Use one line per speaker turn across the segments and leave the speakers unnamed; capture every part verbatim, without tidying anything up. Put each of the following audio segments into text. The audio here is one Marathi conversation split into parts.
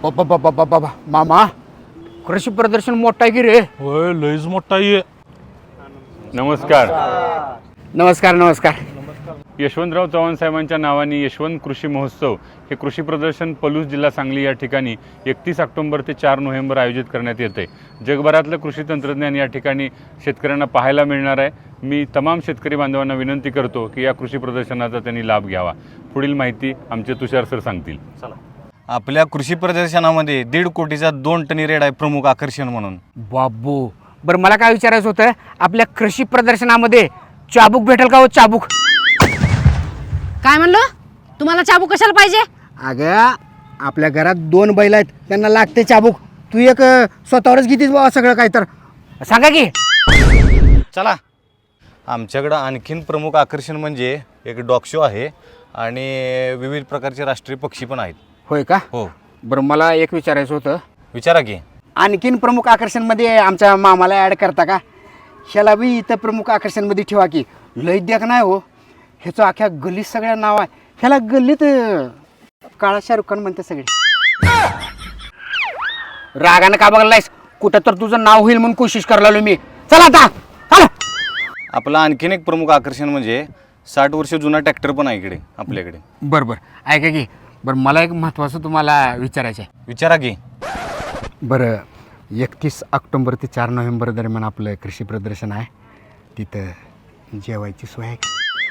बाबा बाबा बाबा मामा कृषी प्रदर्शन मोठा आहे की रे.
होय लईच मोठा आहे.
नमस्कार.
नमस्कार नमस्कार.
यशवंतराव चव्हाण साहेबांच्या नावाने यशवंत कृषी महोत्सव हे कृषी प्रदर्शन पलूस जिल्हा सांगली या ठिकाणी एकतीस ऑक्टोबर ते चार नोव्हेंबर आयोजित करण्यात येते. जगभरातलं कृषी तंत्रज्ञान या ठिकाणी शेतकऱ्यांना पाहायला मिळणार आहे. मी तमाम शेतकरी बांधवांना विनंती करतो की या कृषी प्रदर्शनाचा त्यांनी लाभ घ्यावा. पुढील माहिती आमचे तुषार सर सांगतील. चला.
आपल्या कृषी प्रदर्शनामध्ये दीड कोटीचा दोन टनी रेड आहे प्रमुख आकर्षण म्हणून.
बाबू बरं मला काय विचारायचं होतं, आपल्या कृषी प्रदर्शनामध्ये चाबूक भेटेल का हो? चाबूक.
काय म्हणलो? तुम्हाला चाबूक कशाला पाहिजे?
अगं आपल्या घरात दोन बैल आहेत, त्यांना लागते चाबूक. तू एक अं, स्वतःवरच घेतीस बाबा सगळं काय तर सांगा की.
चला, आमच्याकडं आणखीन प्रमुख आकर्षण म्हणजे एक डॉग शो आहे आणि विविध प्रकारचे राष्ट्रीय पक्षी पण आहेत.
होय का?
हो.
बरं मला एक विचारायचं होतं,
विचारा की.
आणखीन प्रमुख आकर्षणमध्ये आमच्या मामाला ॲड करता का? ह्याला बी इथं प्रमुख आकर्षणमध्ये ठेवा की. लय द्याक नाही हो, ह्याचं अख्ख्या गल्लीत सगळ्या नाव आहे. ह्याला गल्लीत अं, काळा शाहरुख खान म्हणते सगळे. रागानं का बघलायस? कुठं तर तुझं नाव होईल म्हणून कोशिश करायला मी. चला आता चला.
आपलं आणखीन एक प्रमुख आकर्षण म्हणजे साठ वर्ष जुना ट्रॅक्टर पण आहे इकडे आपल्याकडे.
बरं बरं ऐका की. बरं मला एक महत्त्वाचं तुम्हाला विचारायचं आहे.
विचारा की.
बरं एकतीस ऑक्टोबर ते चार नोव्हेंबर दरम्यान आपलं कृषी प्रदर्शन आहे, तिथं जेवायची सोय आहे का?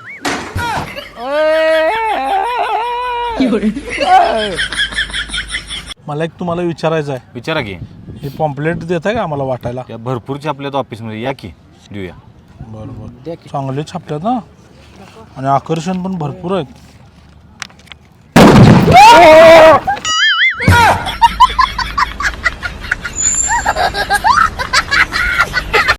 मला एक तुम्हाला विचारायचं आहे.
विचारा की.
हे पॉम्पलेट देत आहे का आम्हाला वाटायला?
त्या भरपूर छापल्यात ऑफिसमध्ये, या की देऊया.
बरोबर चांगले छापल्यात ना, आणि आकर्षण पण भरपूर आहेत.